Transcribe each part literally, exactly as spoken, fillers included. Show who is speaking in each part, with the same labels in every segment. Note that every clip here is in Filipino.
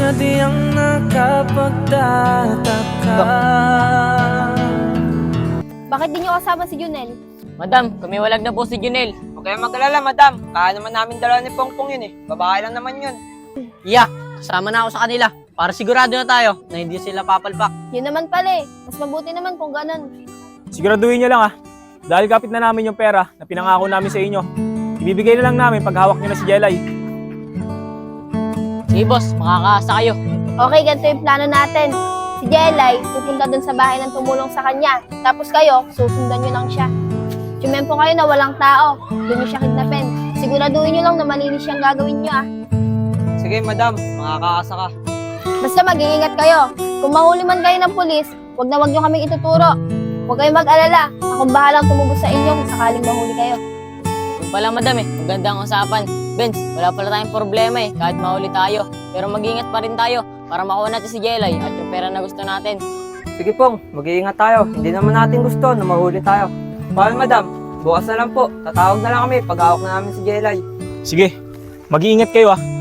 Speaker 1: na di ang nakapagtataka.
Speaker 2: Bakit di niyo kasama si Junel?
Speaker 3: Madam, kumiwalag na po si Junel.
Speaker 4: Huwag kayong mag-alala, madam. Kaya naman namin dala ni Pongpong yun eh. Babae lang naman yun.
Speaker 3: Iya, kasama na ako sa kanila. Para sigurado na tayo na hindi sila papalpak.
Speaker 2: Yun naman pala eh. Mas mabuti naman kung ganun.
Speaker 5: Siguraduhin niyo lang ah. Dahil kapit na namin yung pera na pinangako namin sa inyo. Ibibigay na lang namin pag hawak niyo na si Jelay.
Speaker 3: Sige boss, makakaasa kayo.
Speaker 2: Okay, ganito yung plano natin. Si Jelay, pupunta dun sa bahay ng tumulong sa kanya. Tapos kayo, susundan nyo lang siya. Tsumempo kayo na walang tao. Doon nyo siya kidnapin. Siguraduhin nyo lang na malinis siyang gagawin nyo ah.
Speaker 4: Sige, madam. Makakaasa ka.
Speaker 2: Basta mag-iingat kayo. Kung mahuli man kayo ng pulis, wag na wag nyo kaming ituturo. Huwag kayong mag-alala. Akong bahalang tumubos sa inyo kung sakaling mahuli kayo.
Speaker 3: Yung pala madam eh, magandang usapan. Benz, wala pala tayong problema eh, kahit mahuli tayo. Pero mag-ingat pa rin tayo para makuha natin si Jelay at yung pera na gusto natin.
Speaker 4: Sige, Pong. Mag-iingat tayo. Hindi naman natin gusto na mahuli tayo. Paano, madam? Bukas na lang po. Tatawag na lang kami pag hawak na namin si Jelay.
Speaker 5: Sige, mag-iingat kayo ah.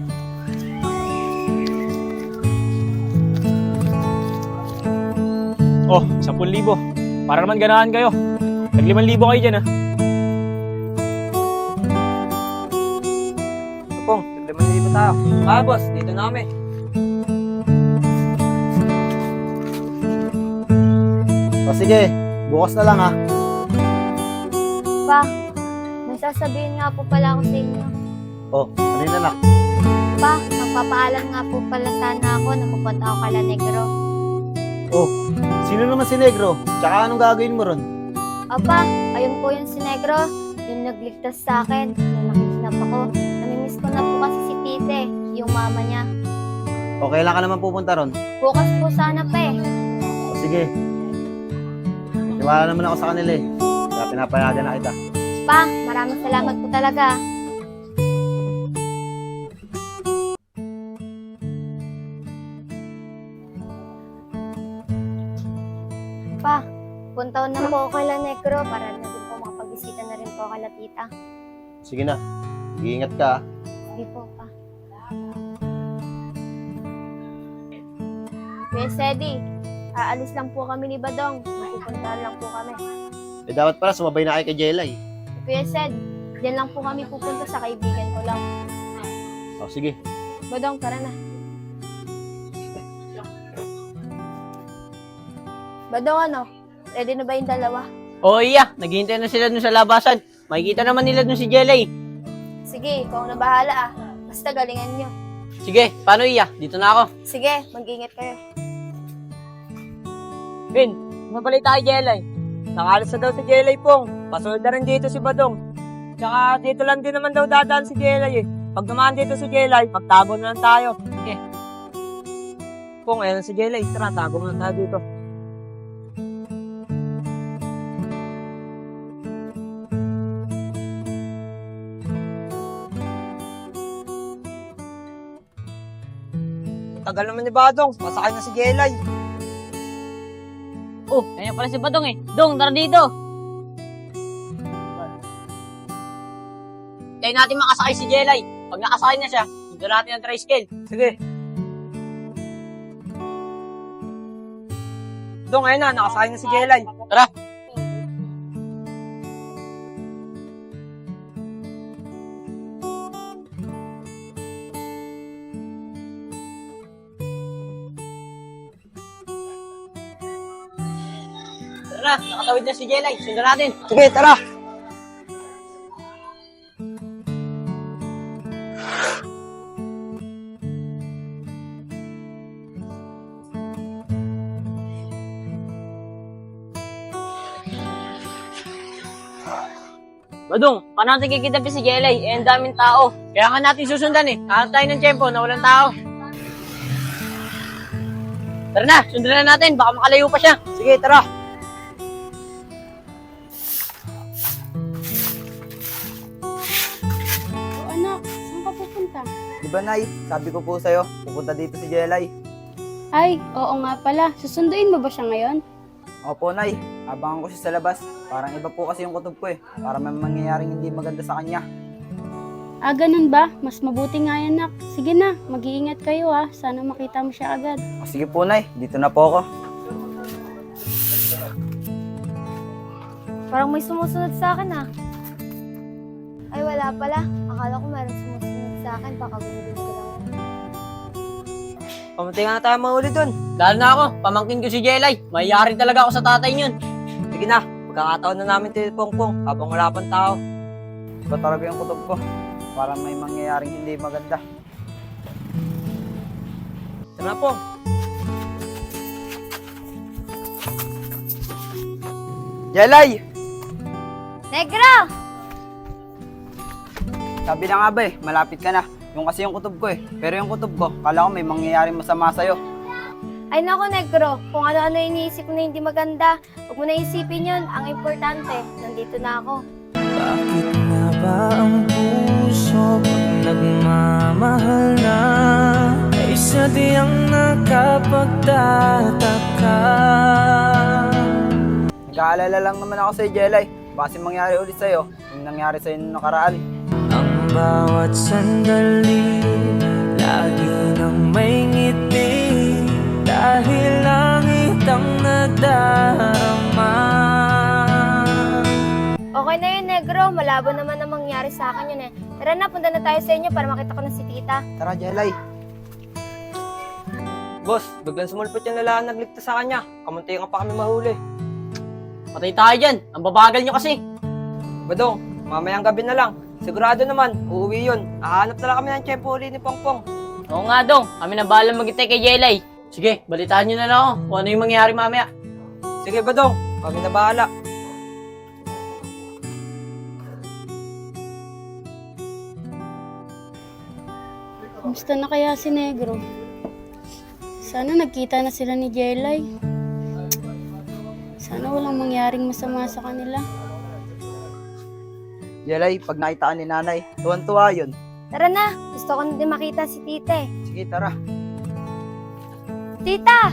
Speaker 5: Oh, sampung libo. Para naman ganahan kayo. Nag-limang libo kayo dyan ah.
Speaker 4: So, Pong, tiglaman dito tayo. Ah, boss. Dito na kami.
Speaker 6: O sige, bukas na lang ha.
Speaker 2: Pa, may sasabihin nga po pala ako sa inyo.
Speaker 6: O, ano yun anak?
Speaker 2: Pa, magpapaalam nga po pala sana ako na pupunta ako kala Negro.
Speaker 6: Oh, sino naman si Negro? Tsaka anong gagawin mo ron?
Speaker 2: Apa, ayun po yung si Negro, yung nagligtas sa akin, yung nakikinap ako. Namimiss ko na po kasi si Tite, yung mama niya.
Speaker 6: O, kailan ka naman pupunta ron?
Speaker 2: Bukas po sana pa eh.
Speaker 6: O sige. Tiwala naman ako sa kanila eh. Kaya pinapayagan na kita.
Speaker 2: Pa, maraming salamat po talaga. Pa, punta na po ako kala Negro para na din po makapag-bisita na rin po kala tita.
Speaker 6: Sige na. Mag-iingat ka ha.
Speaker 2: Hindi po, pa. Kuya Sedi, aalis lang po kami ni Badong. Pupuntahan lang po kami.
Speaker 6: Eh dapat pala sumabay na kayo kay Jelay.
Speaker 2: Kuya Sed, diyan lang po kami pupunta sa kaibigan ko lang.
Speaker 6: O sige.
Speaker 2: Badong, tara na. Badong, ano? Ready na ba yung dalawa?
Speaker 3: Oo iya, naghihintay na sila dun sa labasan. Makikita naman nila dun si Jelay.
Speaker 2: Sige, ikaw na bahala ah. Basta galingan nyo.
Speaker 3: Sige, paano iya? Dito na ako.
Speaker 2: Sige, mag-ingat kayo.
Speaker 4: Ben, mabalita kay Jelay. Nakalas na daw si Jelay, Pong. Pasunod na rin dito si Badong. Tsaka dito lang din naman daw dadaan si Jelay eh. Pag naman dito si Jelay, magtago na lang tayo. Sige. Pong, ayan na si Jelay. Tara, tago na tayo dito. Tagal naman ni Badong. Masakay na si Jelay.
Speaker 3: Oh, ayan pala si Badong eh. Dong, tara dito. Tayo natin makasakay si Jelay. Pag nakasakay na siya, dito natin ang tricycle.
Speaker 4: Sige. Dong, ayun na. Nakasakay na si Jelay.
Speaker 3: Tara. Tara, nakatawid na si Jelay. Sundan natin.
Speaker 4: Sige, tara.
Speaker 3: Badong, paano natin kikidapin si Jelay? Eh, ang daming tao. Kaya nga natin susundan eh. Hanap tayo ng tiyempo na walang tao. Tara na, sundan na natin. Baka makalayo pa siya.
Speaker 4: Sige, tara.
Speaker 2: O anak, saan ka pupunta?
Speaker 7: Di ba, Nay? Sabi ko po sa'yo, pupunta dito si Jelay.
Speaker 8: Ay, oo nga pala. Susunduin mo ba siya ngayon?
Speaker 7: Opo, Nay. Abangan ko siya sa labas. Parang iba po kasi yung kutob ko eh. Para may mangyayaring hindi maganda sa kanya.
Speaker 8: Ah, ganun ba? Mas mabuti nga yan, nak. Sige na, mag-iingat kayo ah. Sana makita mo siya agad.
Speaker 7: O, sige po, Nay. Dito na po ako.
Speaker 2: Parang may sumusunod sa akin ah. Ay, wala pala. Akala ko meron sumusunod sa akin. Baka gulubin ko lang.
Speaker 4: Pamunti nga na tayo mahuli dun.
Speaker 3: Lalo na ako, pamangkin ko si Jelay. Mayayari talaga ako sa tatay niyon.
Speaker 4: Sige na, magkakataon na namin tayo Pongpong habang wala pang tao.
Speaker 7: Iba talaga yung kutob ko. Parang may mangyayaring hindi maganda.
Speaker 4: Tara na, Pong.
Speaker 7: Jelay!
Speaker 2: Negro!
Speaker 7: Sabi na nga ba eh, malapit ka na. Yung kasi yung kutob ko eh. Pero yung kutob ko, kala ko may mangyayaring masama sa'yo.
Speaker 2: Ay nako, Negro. Kung ano-ano iniisip mo na hindi maganda, huwag mo na isipin yun. Ang importante, nandito na ako.
Speaker 1: Bakit nga ba ang puso pag nagmamahal na ay sadyang nakapagtataka?
Speaker 7: Nag-aalala lang naman ako sa'yo, Jelay. Baka kasi mangyari ulit sa'yo, yung nangyari sa'yo nung nakaraan.
Speaker 1: Ang bawat sandali lagi nang may ngiti dahil langit ang nadarama.
Speaker 2: Okay na yun, Negro. Malabo naman ang mangyari sa akin yun eh. Tara na, punta na tayo sa inyo para makita ko na si tita.
Speaker 7: Tara, Jelay.
Speaker 4: Boss, biglang sumulpot yung lalaan nagligtas sa kanya. Kamunti nga pa kami mahuli.
Speaker 3: Patay tayo dyan. Ang babagal nyo kasi.
Speaker 4: Badong, mamayang gabi na lang. Sigurado naman, uuwi yun. Hahanap na lang kami ng tiyempo uli ni Pongpong.
Speaker 3: Oo nga dong, kami na bahala mag-itay kay Jelay. Sige, balitaan nyo na lang ako kung ano yung mangyayari mamaya.
Speaker 4: Sige, Badong, kami na bahala.
Speaker 8: Kamusta na kaya si Negro? Sana nagkita na sila ni Jelay. Sana walang mangyaring masama sa kanila.
Speaker 7: Jelay, pag nakita ka ni nanay, tuwan-tuwa yun.
Speaker 2: Tara na, gusto ko na din makita si tita eh.
Speaker 7: Sige, tara.
Speaker 2: Tita!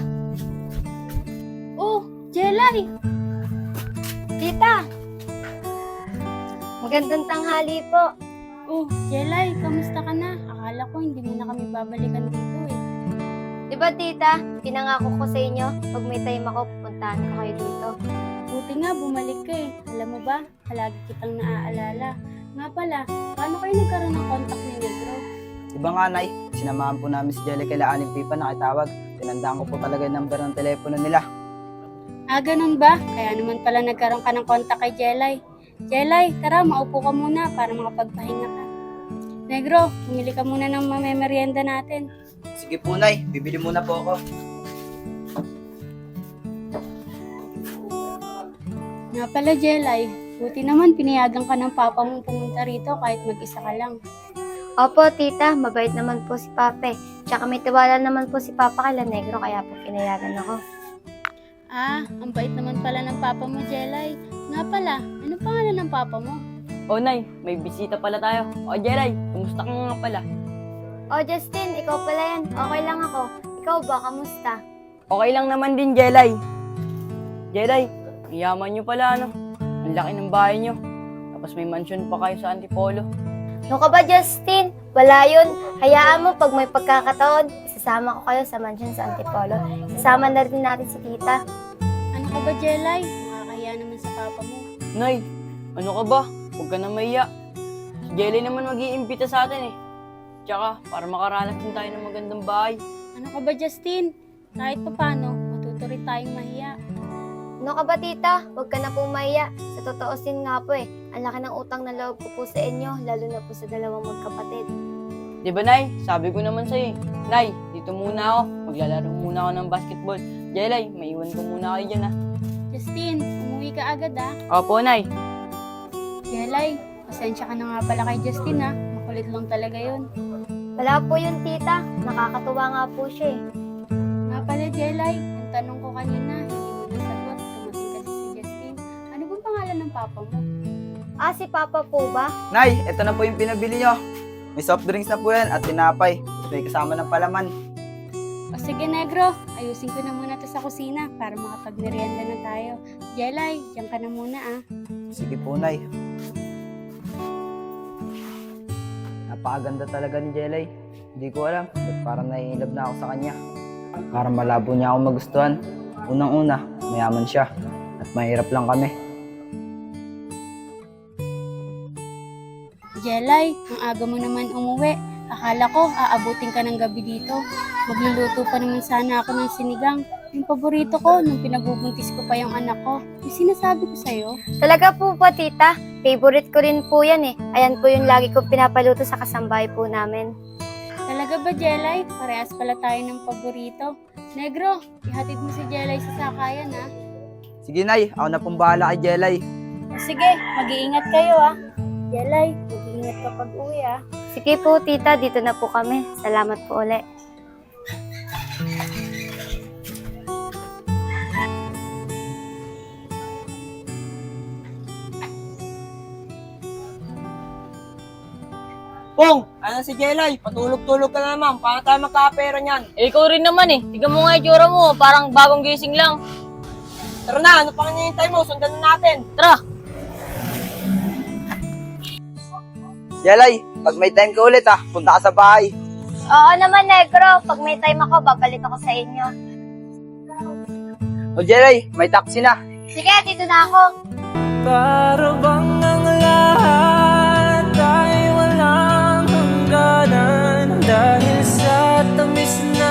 Speaker 8: Oh, Jelay!
Speaker 2: Tita! Magandang tanghali po.
Speaker 8: Oh, Jelay, kamusta ka na? Akala ko hindi mo na kami babalikan dito eh.
Speaker 2: Di ba tita, pinangako ko sa inyo, pag may time ako, pupuntahan ko kayo dito.
Speaker 8: Buti nga, bumalik ka eh. Alam mo ba, palagi kitang naaalala. Nga pala, paano kayo nagkaroon ng contact ni Negro?
Speaker 7: Diba nga, Nay? Sinamahan po namin si Jelay kay Aling Pipa na kitawag. Tinandaan ko po talaga yung number ng telepono nila.
Speaker 8: Ah, ganun ba? Kaya naman pala nagkaroon ka ng contact kay Jelay. Jelay, tara, maupo ka muna para makapagpahinga ka. Negro, pumili ka muna ng mamemerienda natin.
Speaker 7: Sige po, Nay. Bibili muna po ako.
Speaker 8: Nga pala, Jelay, buti naman pinayagan ka ng papa mong pumunta rito kahit mag-isa ka lang.
Speaker 2: Opo, tita, mabait naman po si Pape. Tsaka may tiwala naman po si Papa kay La Negro, kaya po pinayagan ako.
Speaker 8: Ah, ang bait naman pala ng papa mo, Jelay. Nga pala, ano pangalan ng papa mo?
Speaker 3: Oh, Nay, may bisita pala tayo. O, Jelay, kumusta ka nga pala?
Speaker 2: Oh, Justin, ikaw pala yan. Okay lang ako. Ikaw ba, kamusta?
Speaker 3: Okay lang naman din, Jelay. Jelay, ang yaman nyo pala, ano? Ang laki ng bahay nyo. Tapos may mansion pa kayo sa Antipolo.
Speaker 2: Ano ka ba, Justin? Wala yun. Hayaan mo, pag may pagkakataon, isasama ko kayo sa mansion sa Antipolo. Isasama na rin natin si tita.
Speaker 8: Ano ka ba, Jelay? Nakakahiya naman sa papa mo.
Speaker 3: Nay, ano ka ba? Huwag ka na mahiya. Si Jelay naman mag-iimbita sa atin eh. Tsaka, para makaranas din tayo ng magandang bahay.
Speaker 8: Ano ka ba, Justin? Kahit pa paano, matuto rin tayong mahiya.
Speaker 2: Ano ka ba, tita? Huwag ka na po mahiya. Sa totoo sin nga po eh, ang laki ng utang na loob ko po sa inyo, lalo na po sa dalawang magkapatid.
Speaker 3: Di ba, Nay? Sabi ko naman sa'yo eh. Nay, dito muna ako. Maglalaro muna ako ng basketball. Jelay, maiwan ko muna kayo dyan ah.
Speaker 8: Justin, umuwi ka agad ah.
Speaker 3: Opo, Nay.
Speaker 8: Jelay, pasensya ka na nga pala kay Justin ah. Makulit lang talaga yun.
Speaker 2: Wala po yun, tita. Nakakatuwa nga po siya eh.
Speaker 8: Nga pala, Jelay, yung tanong ko kanina, hindi mo nasagot. Tumating kasi si Justin. Ano bang pangalan ng papa mo?
Speaker 2: Ah, si Papa po ba?
Speaker 7: Nay, ito na po yung pinabili nyo. May soft drinks na po yan at tinapay. May kasama ng palaman.
Speaker 8: O sige, Negro, ayusin ko na muna to sa kusina para makapagmerienda na tayo. Jelay, diyan ka na muna ah.
Speaker 7: Sige po, Nay. Napakaganda talaga ni Jelay. Hindi ko alam, ba't parang naiinlove na ako sa kanya. Parang malabo niya ako magustuhan. Unang-una, mayaman siya. At mahirap lang kami.
Speaker 8: Jelay, ang aga mo naman umuwi. Akala ko, aabutin ka ng gabi dito. Magluluto pa naman sana ako ng sinigang. Yung paborito ko, nung pinagbubuntis ko pa yung anak ko. Yung sinasabi ko sa'yo.
Speaker 2: Talaga po po, tita. Favorite ko rin po yan eh. Ayan po yung lagi ko pinapaluto sa kasambahay po namin.
Speaker 8: Talaga ba, Jelay? Parehas pala tayo ng paborito. Negro, ihatid mo si Jelay sa sakayan, ha?
Speaker 7: Sige, Nay. Ako na pong bahala kay Jelay.
Speaker 8: O sige, mag-iingat kayo, ha? Jelay, mag-iingat ka pag uwi, ha?
Speaker 2: Sige po, tita. Dito na po kami. Salamat po ulit.
Speaker 4: Pong, ano si Jelay? Patulog-tulog ka na naman. Paano tayo magkapera niyan?
Speaker 3: Eh, ikaw rin naman eh. Tignan mo nga yung tsura mo, parang bagong gising lang.
Speaker 4: Tara na, ano pang hinihintay mo? Sundan na natin.
Speaker 3: Tara!
Speaker 7: Jelay, pag may time ka ulit ha, punta ka sa bahay.
Speaker 2: Oo naman, Negro. Pag may time ako, babalik ako sa inyo.
Speaker 7: O Jelay, may taxi na.
Speaker 2: Sige, dito na ako.
Speaker 1: Para bang ang lahat ay walang hangganan dahil sa tamis na.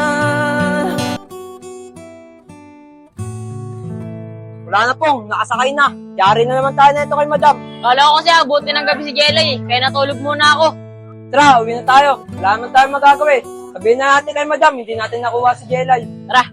Speaker 4: Wala na pong, nakasakay na. Yari na naman tayo na ito kay madam.
Speaker 3: Kala ko kasi abutin ng gabi si Jelay eh, kaya natulog muna ako.
Speaker 4: Tara, uwi na tayo. Wala naman tayo magagawa eh. Sabihin na natin kay madam, hindi natin nakuha si Jelay.
Speaker 3: Tara!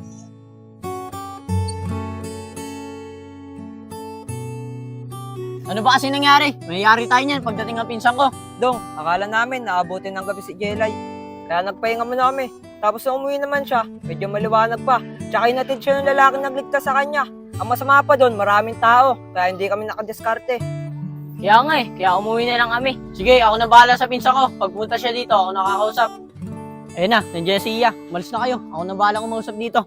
Speaker 3: Ano ba kasi nangyari? Mayayari tayo niyan pagdating ng pinsan ko.
Speaker 4: Dong, akala namin naabutin ng gabi si Jelay. Kaya nagpahinga muna kami. Tapos nung umuwi naman siya, medyo maliwanag pa. Tsaka inatid siya ng lalaki nagligtas sa kanya. Ang masama pa doon, maraming tao. Kaya hindi kami nakadiskarte.
Speaker 3: Kaya nga eh, kaya umuwi na lang kami. Sige, ako na bahala sa pinsan ko. Pagpunta siya dito, ako nakakausap. Ayun na, nandiyan si Iya. Malis na kayo. Ako na bahala kumausap dito.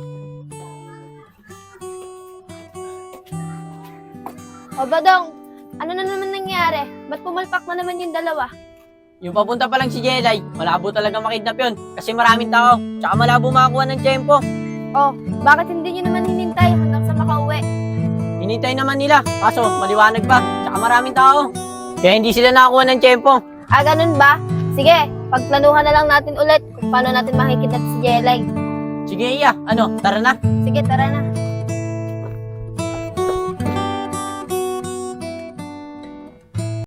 Speaker 2: O Badong, ano na naman nangyari? Ba't pumalpak na naman yung dalawa?
Speaker 3: Yung papunta pa lang si Jelay, malabo talaga makidnap yun. Kasi maraming tao, tsaka malabo makakuha ng tiyempo.
Speaker 2: Oh, bakit hindi nyo naman hinintay hanggang sa makauwi?
Speaker 3: Hinintay naman nila, kaso maliwanag pa, tsaka maraming tao. Kaya hindi sila nakakuha ng tiyempo.
Speaker 2: Ah, ganun ba? Sige, pagplanuhan na lang natin ulit kung paano natin makikidnap si Jelay.
Speaker 3: Sige Iya, ano, tara na.
Speaker 2: Sige, tara na.